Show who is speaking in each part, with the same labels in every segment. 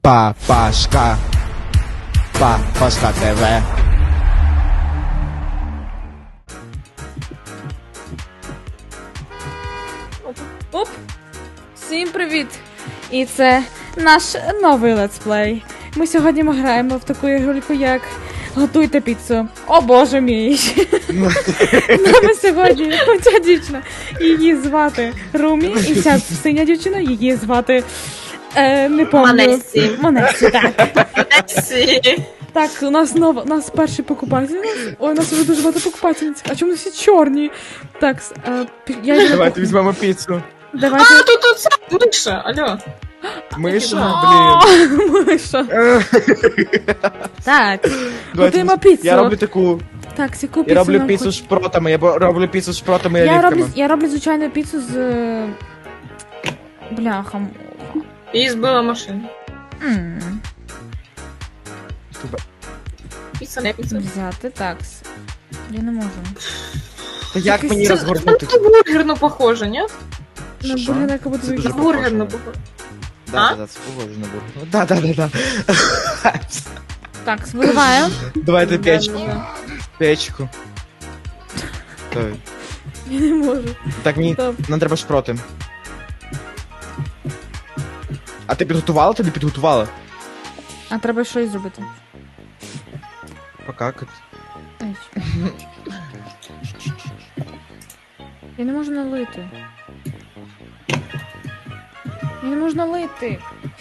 Speaker 1: Папашка. Папашка ТВ.
Speaker 2: Оп! Всім привіт! І це наш новий летсплей. Ми сьогодні граємо в таку ігрульку, як Готуйте піцу. О боже мій! Нами сьогодні ця дівчина. Її звати Румі, і ця синя дівчина, її звати... не пам'ятаю. Монесі, так.
Speaker 3: Монесі.
Speaker 2: Так, у нас перший покупатель. Ой, у нас вже дуже багато покупательниць. А чому всі чорні? Так, я...
Speaker 1: Давайте візьмемо піцу.
Speaker 2: Давайте...
Speaker 3: А, тут це миша, алло.
Speaker 1: Миша, блін.
Speaker 2: Миша. Так,
Speaker 1: Давайте,
Speaker 2: готуємо піцу.
Speaker 1: Я роблю таку.
Speaker 2: Так, сяку
Speaker 1: Я
Speaker 2: піцу
Speaker 1: роблю
Speaker 2: нам
Speaker 1: піцу
Speaker 2: хоч-
Speaker 1: з шпротами, роблю піцу з шпротами і олівками.
Speaker 2: Я роблю звичайну піцу з... Бляхом.
Speaker 3: Її збила машина. Піца, не піца.
Speaker 2: Взяти, так. Я не можу.
Speaker 1: Та як мені
Speaker 3: Це
Speaker 1: розгорнути?
Speaker 3: на бургерну похоже, ні?
Speaker 2: На
Speaker 1: Що?
Speaker 2: бургер, яка буде
Speaker 1: Це дуже
Speaker 3: На
Speaker 2: виглядати.
Speaker 3: бургерну похоже.
Speaker 1: Да, це похоже на бургер. Да.
Speaker 2: Так, виливаю.
Speaker 1: Давайте печку.
Speaker 3: Да-да-да.
Speaker 1: Печку. Давай.
Speaker 2: Я не можу.
Speaker 1: Так, мені
Speaker 2: Стоп.
Speaker 1: нам треба шпроти. А ти підготувала? Ти не підготувала?
Speaker 2: А треба щось зробити.
Speaker 1: Покакати.
Speaker 2: Ай. Я не можу налити. Я не можу налити.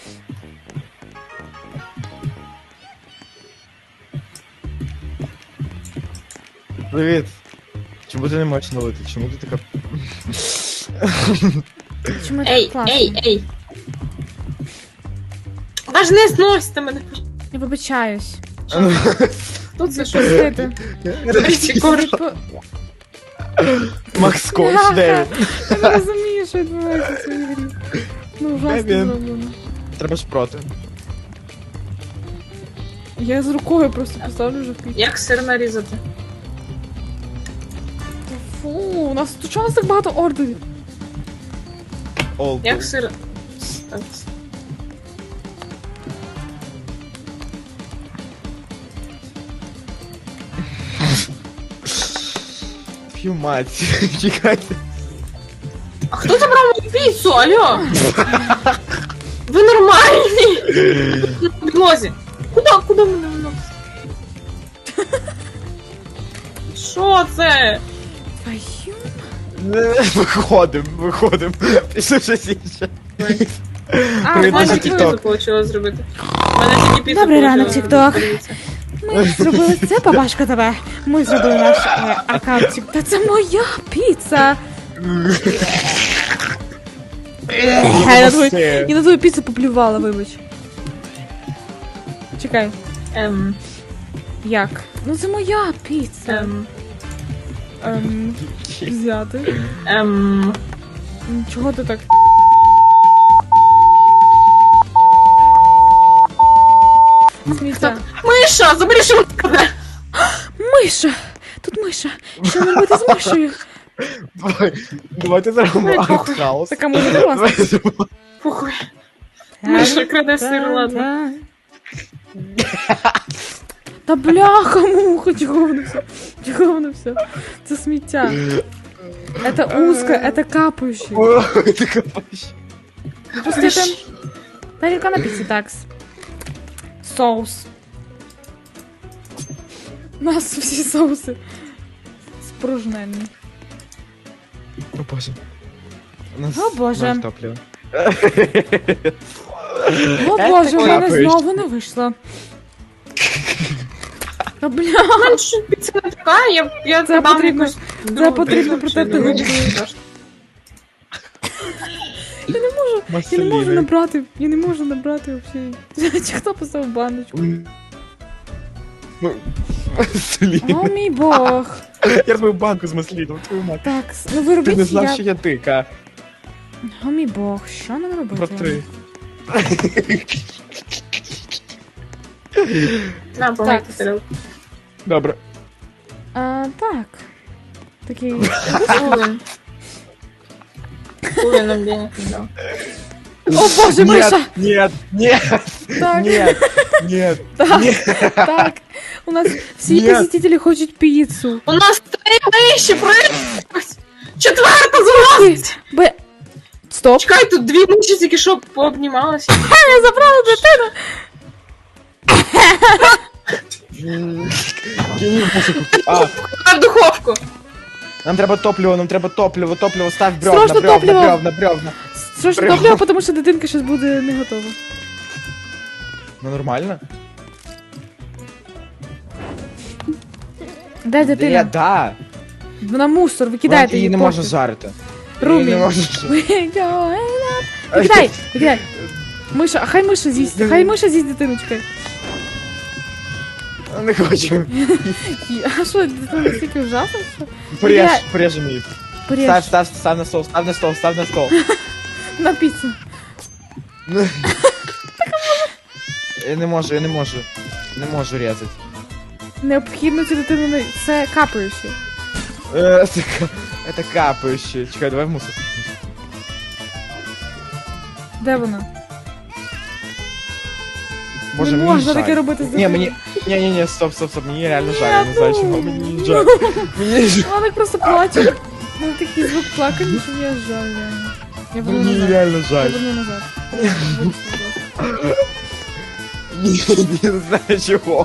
Speaker 1: Привіт. Чому ти не можеш налити? Чому ти така...
Speaker 2: Чому це
Speaker 3: Ей,
Speaker 2: класно?
Speaker 3: ей. Аж не зносите мене.
Speaker 2: Я вибачаюсь.
Speaker 3: Хто це що?
Speaker 2: Простите.
Speaker 3: Прикольно.
Speaker 1: Макс Коуч,
Speaker 2: Бляха,
Speaker 1: де він?
Speaker 2: Я не розумію, що відбувається в цій грі. Ну, ужасно
Speaker 1: Де він?
Speaker 2: зроблено.
Speaker 1: Треба шпроти.
Speaker 2: Я з рукою просто поставлю вже в піч.
Speaker 3: Як сир нарізати?
Speaker 2: Фу, у нас тут чого у нас так багато ордерів?
Speaker 1: Олд.
Speaker 3: Як сир... Так.
Speaker 1: П'ю мать. Чекайте.
Speaker 3: А хто забрав мою піцу, алло? Ви нормальні? На підлозі. Куда мене виносить? Що це?
Speaker 2: Твою.
Speaker 1: Виходим. Пішли щось інше.
Speaker 2: А,
Speaker 1: Привіт,
Speaker 3: У мене
Speaker 1: наш
Speaker 3: тільки
Speaker 1: TikTok.
Speaker 3: піцу вийшло зробити. У мене тільки піцу
Speaker 2: Добрий ранок,
Speaker 3: вийшло
Speaker 2: TikTok.
Speaker 3: зробити.
Speaker 2: Ми зробили це, Папашка ТВ. Ми зробили наш аккаунтик. Та це моя піца. Я на твою піцу поплювала, вибач. Чекай, як? Ну це моя піца. Взяти. Чого ти так? Сміття.
Speaker 3: Миша, забери що мене.
Speaker 2: Миша! Тут миша! Що нам робити з мишею?
Speaker 1: Давайте зробимо
Speaker 3: Ой, похуй.
Speaker 1: артхаус.
Speaker 2: Така може класна.
Speaker 3: Похуй. Миша краде сир, ладно.
Speaker 2: Та бляха, муха, чого воно все? Чого воно все? Це сміття. Это узко, это капающий.
Speaker 1: Ой, ти копаєш.
Speaker 2: Просто это... Тарелка на пицце, такс. Соус. У нас всі соуси спружнені.
Speaker 1: О боже. У нас
Speaker 2: О, Боже.
Speaker 1: ноль топлива.
Speaker 2: О боже, у мене
Speaker 1: капаєш.
Speaker 2: знову не вийшло. Та бля,
Speaker 3: У мене ж піца не така, я
Speaker 2: Це
Speaker 3: дам
Speaker 2: потрібно-
Speaker 3: якусь другу
Speaker 2: потрібно
Speaker 3: піцу,
Speaker 2: протерти
Speaker 3: чи
Speaker 2: губи. я не можу набрати, я не можу набрати взагалі. Чи хто поставив баночку?
Speaker 1: Ну, масліни.
Speaker 2: О мій бог.
Speaker 1: Я розбив банку з масліном, твою мать.
Speaker 2: Так, ну ви
Speaker 1: Ти не
Speaker 2: робіть
Speaker 1: знав,
Speaker 2: я...
Speaker 1: що я дика.
Speaker 2: О мій бог, що нам робити?
Speaker 1: Протри.
Speaker 3: На, помийте тарілку.
Speaker 1: Добре.
Speaker 2: Так. Такий...
Speaker 3: Ужин. Ужин нам денег не дав.
Speaker 2: О боже, Миша!
Speaker 1: Нет, нет, нет.
Speaker 2: Так.
Speaker 1: Нет, нет,
Speaker 2: Так,
Speaker 1: нет.
Speaker 2: так. У нас всі
Speaker 1: Ні.
Speaker 2: посетителі хочуть піцу.
Speaker 3: У нас 3 вещи проїхать! Четверта залазить!
Speaker 2: Стоп.
Speaker 3: Чекай, тут 2 миші тільки що пообнімалися.
Speaker 2: Я забрала дитину.
Speaker 1: Кинь в мусорку. А,
Speaker 3: А в духовку.
Speaker 1: нам треба топливо, став бревна,
Speaker 2: Срочно топливо.
Speaker 1: бревна.
Speaker 2: Срочно
Speaker 1: Прямо.
Speaker 2: топливо, тому що дитинка щось буде не готова.
Speaker 1: Ну нормально?
Speaker 2: Де дитина?
Speaker 1: Да.
Speaker 2: Вона мусор, викидайте
Speaker 1: Її
Speaker 2: її.
Speaker 1: не можна жарити.
Speaker 2: Румі.
Speaker 1: Її не можна жарити.
Speaker 2: Викидай, викидай. Миша, а хай миша з'їсть, хай миша з'їсть дитину, чекай.
Speaker 1: Не хочу.
Speaker 2: А що, дитина настільки ужасно, що? Викидай.
Speaker 1: Порежем її.
Speaker 2: Поріж.
Speaker 1: Став на стол, став на стол.
Speaker 2: На піцу.
Speaker 1: Я не можу. Не можу резати.
Speaker 2: Необхідно цю дитину не... Це капаюче.
Speaker 1: Это капающее. Чекай, давай в мусор.
Speaker 2: Де вона?
Speaker 1: Боже,
Speaker 2: Не
Speaker 1: мені
Speaker 2: можна
Speaker 1: жаль.
Speaker 2: таке робити з
Speaker 1: Ні,
Speaker 2: дитиною.
Speaker 1: мені... Ні, стоп, мені реально жаль, я не
Speaker 2: Ні,
Speaker 1: знаю,
Speaker 2: ну.
Speaker 1: чому мені жаль. Мені жаль.
Speaker 2: Вона так просто плаче. Ну такий звук плакання, що мені аж жаль, реально. Я верну
Speaker 1: Мені
Speaker 2: назад.
Speaker 1: реально
Speaker 2: Я
Speaker 1: жаль.
Speaker 2: верну назад.
Speaker 1: Ні, не знаю чого.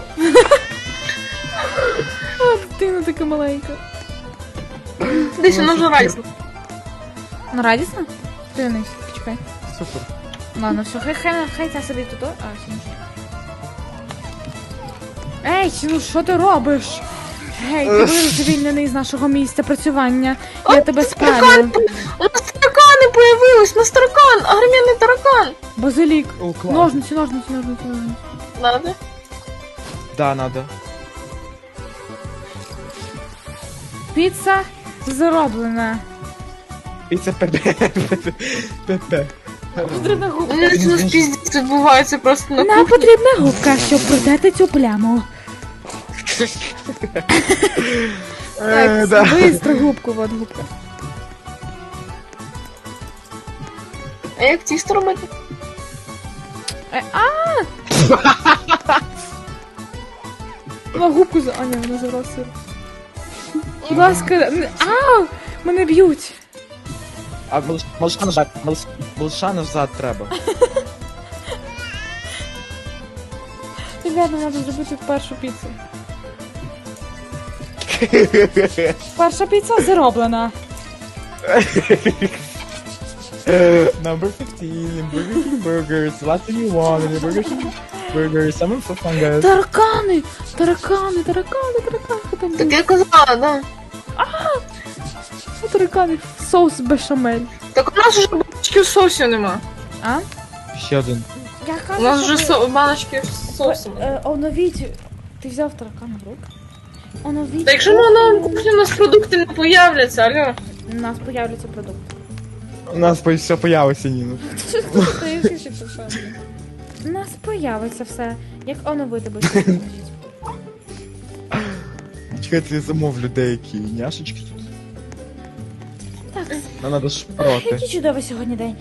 Speaker 2: А, дитина така маленька.
Speaker 3: Десь воно вже райсно.
Speaker 2: Ну, радісно? Дивись, чекай.
Speaker 1: Супер.
Speaker 2: Ладно, все, хай ця собі тут. А, сінче. Ей, ну що ти робиш? Гей, ти будеш звільнений з нашого місця працювання. Я тебе спалю.
Speaker 3: У нас таракани появились, у нас таракан, агромінний таракан.
Speaker 2: Базилік.
Speaker 1: О, клас.
Speaker 2: Ножниці.
Speaker 3: Надо?
Speaker 1: Да, надо.
Speaker 2: Піца зроблена.
Speaker 1: Піца ПП.
Speaker 2: Потрібна губка.
Speaker 3: У нас піздець відбувається просто на
Speaker 2: Нам
Speaker 3: кухні.
Speaker 2: потрібна губка, щоб протерти цю пляму. Так,
Speaker 1: Да.
Speaker 2: быстро губку, вот губка.
Speaker 3: А як тісто робити?
Speaker 2: На губку за... А, ні, вона забрала сир. Будь ласка, ау! Мене б'ють.
Speaker 1: А малыша назад, малыша назад треба.
Speaker 2: Ребята, треба зробити першу піцу. Перша піца зроблена.
Speaker 1: Number 15, Burger King burgers, what do you want in a Burger King burger? Someone for fun, guys.
Speaker 2: Таракани! Таракани! Там
Speaker 3: Так я казала, да.
Speaker 2: таракани. Соус бешамель.
Speaker 3: Так у нас вже баночки соусу нема.
Speaker 2: А?
Speaker 1: Ще один.
Speaker 2: Я кажу,
Speaker 3: У нас вже баночки з соусом.
Speaker 2: Оновіть. Ти взяв таракана в рук? Оновіть.
Speaker 3: Та якщо на кухні у нас продукти не появляться, алло.
Speaker 2: У нас появляться продукти.
Speaker 1: У нас все появиться, Ніна.
Speaker 2: У нас появиться все. Як оновити буде?
Speaker 1: Чекайте, я замовлю деякі няшечки тут.
Speaker 2: Так,
Speaker 1: Нам надо шпроти.
Speaker 2: який чудовий сьогодні день.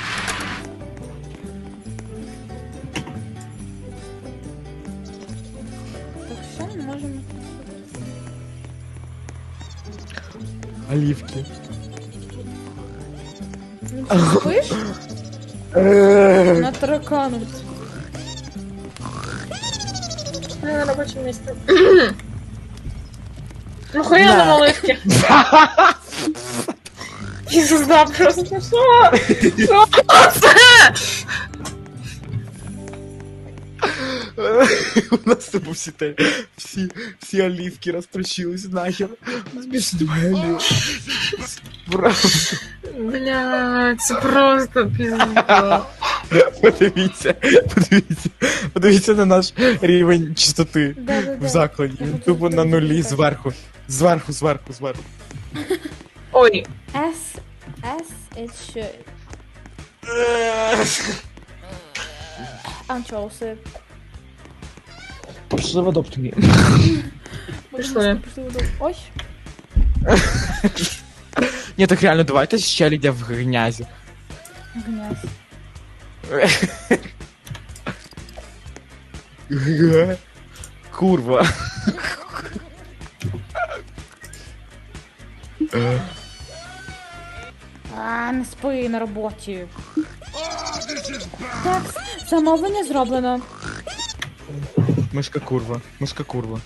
Speaker 2: Так, що ми можемо?
Speaker 1: Оливки.
Speaker 2: Він спиш? Над тараканом.
Speaker 3: На робочому місці. Ну хуя на малишки. Ісус, да, просто що? Що це?
Speaker 1: У нас типу всі оливки розтрощились нахер. У нас більше немає олів. Просто.
Speaker 3: Блядь, це просто пізда.
Speaker 1: Подивіться на наш рівень чистоти
Speaker 2: Да-да-да.
Speaker 1: в закладі. Він тупо на нулі зверху. Зверху.
Speaker 3: Ой,
Speaker 2: It should. Анчоуси.
Speaker 1: Пішли в адоптові.
Speaker 3: Пішли.
Speaker 2: Ой.
Speaker 1: Ні, так реально, давайте ще лідя в грязі.
Speaker 2: Гняз.
Speaker 1: Курва.
Speaker 2: Не спи на роботі. Так, замовлення зроблено.
Speaker 1: Мишка курва. Мишка курва.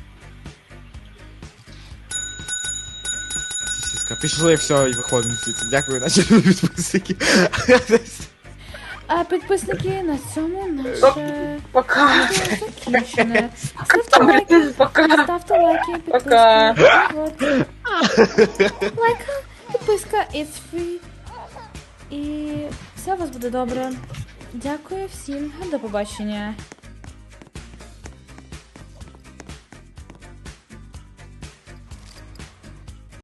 Speaker 1: Сіська. Пішли, все, і виходимо звідси. Дякую, наші підписники.
Speaker 2: А підписники, на цьому наше
Speaker 3: Пока.
Speaker 2: відео закінчене. Ставте лайки,
Speaker 3: Пока.
Speaker 2: ставте лайки,
Speaker 3: Пока.
Speaker 2: підписки. Вот. Лайк, підписка, it's free. І все у вас буде добре. Дякую всім, до побачення.